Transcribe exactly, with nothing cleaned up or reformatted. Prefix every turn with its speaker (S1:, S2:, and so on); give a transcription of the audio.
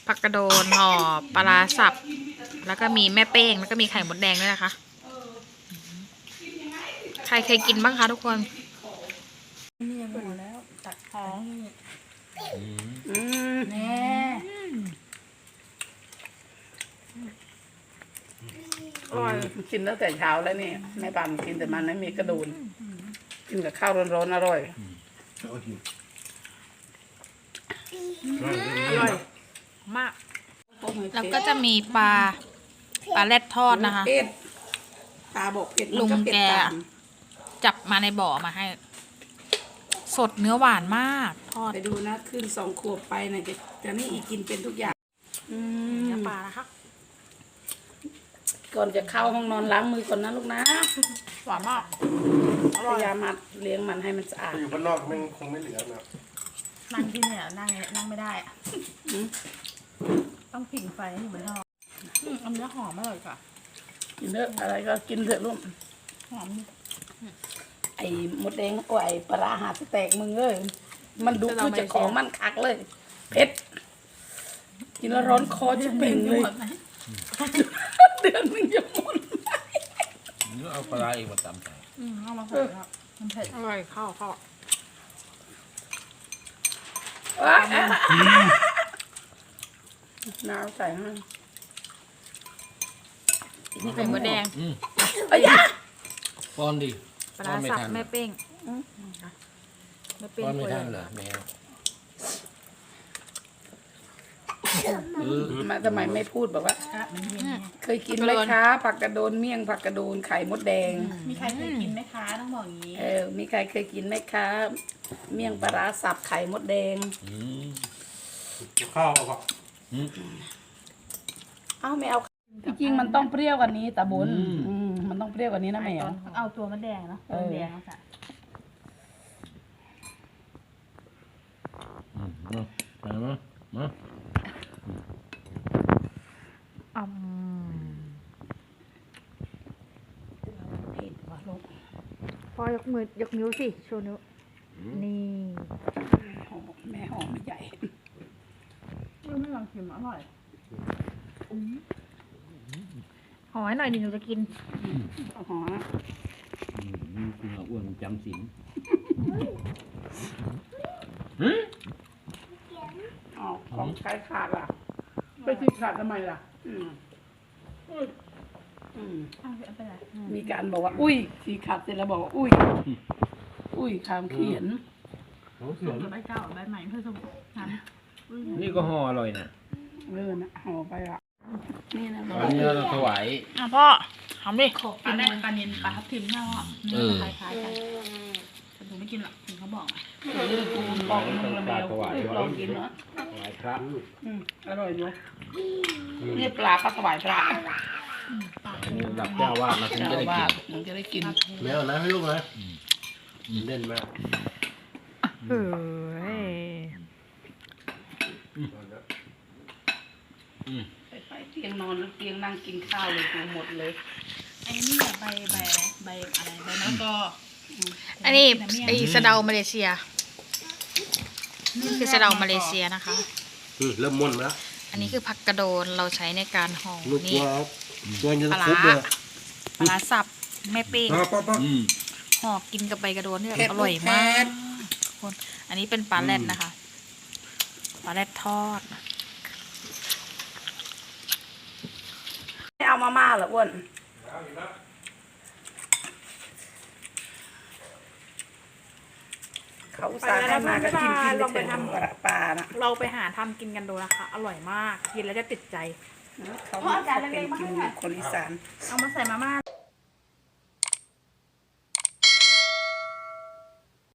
S1: ผักกระโดนห่อปลาร้าสับแล้วก็มีแม่เป้งแล้วก็มีไข่มดแดงด้วยนะคะใครเคยกินบ้างคะทุกคน
S2: นี่หมดแล้วตัดท้อง
S3: อืม
S2: แน่
S3: อร่อยกินตั้งแต่เช้าแล้วนี่แม่ปานกินแต่มันไม่มีกระดูนกินกับข้าวร้อนๆอร่อย
S1: อร่อยมากแล้วก็จะมีปลาปลาแรดทอดนะคะ
S3: ตาบอกเผ็ด
S1: ลุงแกจับมาในบ่อมาให้ สดเนื้อหวานมากทอด
S3: ไปดูนะขึ้นสองขวบไปนะจะจะนี่อีกินเป็นทุกอย่าง
S1: เนื้อปลานะคะ
S3: ก่อนจะเข้าห้องนอนล้างมือก่อนนะลูกนะ
S1: หวานมาก
S3: พยายามมาเลี้ยงมันให้มันสะอาด
S4: อยู่บ้านนอกมันคงไม่เหลือนะ
S2: นั่งที่เนี่ยนั่งนั่งไม่ได้อะต้องผิงไฟให้เหมือนทอดอันนี้หอมอร่อยค่ะ
S3: กินเถอะอะไรก็กินเถอะลูก
S2: หอม
S3: ไอ้มดแดงโอ้ยปลาหาสแตกมึงเอ้ยมันดูคือจะของมันคักเลยเผ็ดกินแล้วร้อนคอจะเป่งเลยเดือนหนึ่งจะหมด
S5: นี่เอาปลาเองมาตำใส่
S2: อืมเอามาใส่แล้วมันเผ็ด
S1: อร่อยข้าวข้าว
S3: น้ำใส่ให้
S1: นี่ไข่มดแดง
S3: เอ้ย
S5: ป้อนดิ
S1: ปลาสับแม่เป้ง
S5: แม่เป้งป้อนไม่ทันเหรอแมว
S3: มาทำไมไม่พูดบอกว่าเคยกินไหมคะผักกระโดนเมี่ยงผักกระโดนไข่มดแดง
S2: มีใครเคยกินไหมคะต้องบอกอย่างนี้
S3: เออมีใครเคยกินไหมคะเมี่ยงปลาร้าสับไข่มดแดง
S4: ข้าวเอาปะ
S3: เอ้าไม่เอาจริงๆมันต้องเปรี้ยวกว่านี้ตาบุญมันต้องเปรี้ยวกว่านี้นะแม่
S2: เอาตัวมะแดงนะตัวแดงนะจ๊ะ
S5: มามามา
S1: อืม
S3: เผ็ดว่ะลูก
S1: พอยกมือยกนิ้วสิโชว์นิ้วนี่
S3: หอมแม่หอมใหญ่
S2: ไม่ลองชิมอร่อย
S1: หอให้หน่อยดิหนูจะกิน
S3: หอม
S5: นี่คุณอ้วนจำศีล
S3: อ๋อของใช้ขาดล่ะไปชิมขาดทำไมล่ะอืมอืมมีการบอกว่าอุ้ยสีขาดเสร็จแล้วบอกว่าอุ้ยอุ้ยคำเขียน
S2: ใบเก้าใบใหม่เพื่อสมุน
S5: นี่ก็ห่ออร่อยนะ
S3: เออนะห่อไปอ่ะนี่นะ
S5: อันนี้เราถวาย
S1: อ่ะพ่อทำดิ
S2: ปลาแรกปลาเนียนปลาทับทิมเน่าอ่ะเนื้อคล้ายๆกันแต่ผมไม่กินหรอกถึงเขาบอกอ่ะ
S3: บอกมึงละแมวลองกินเนาะ
S5: ถวายพระ
S3: อืมอร่อยเนาะนี่ปลาก็ถวายพระ
S5: นี่ระดับเจ้าวาดเราถึงจะได้กิน
S3: มึงจะได้กิน
S4: แมวนะให้ลูกนะเล่นมาก
S1: เฮ้ย
S3: ไปเตียงนอนแล้วเตียงนั่งกินข้าวเลยกูหมดเลย
S2: ไอ้นี่ใบใบใบอะไรใบมะละกอ
S1: อันนี้ไอสะเดามาเลเซียนี่คือสะเดามาเลเซียนะคะ
S4: เริ่มม่วนแล้ว
S1: อันนี้คือผักกระโดนเราใช้ในการห่อนี่
S4: ปลาร้า
S1: ปลาสับแม่เป้งห่อกินกับใบกระโดนนี่อร่อยมากคนอันนี้เป็นปลาแรดนะคะปลาแรดทอด
S3: ไม่เอามาม่าเหรออ้วนเขาสาให้มาก็กินกินไปทำปลานะ
S1: เราไปหาทำกินกันดูนะคะอร่อยมากกินแล้วจะติดใจ
S3: เขาเป็นกินคนอีสาน
S2: เอามาใส่มาม่า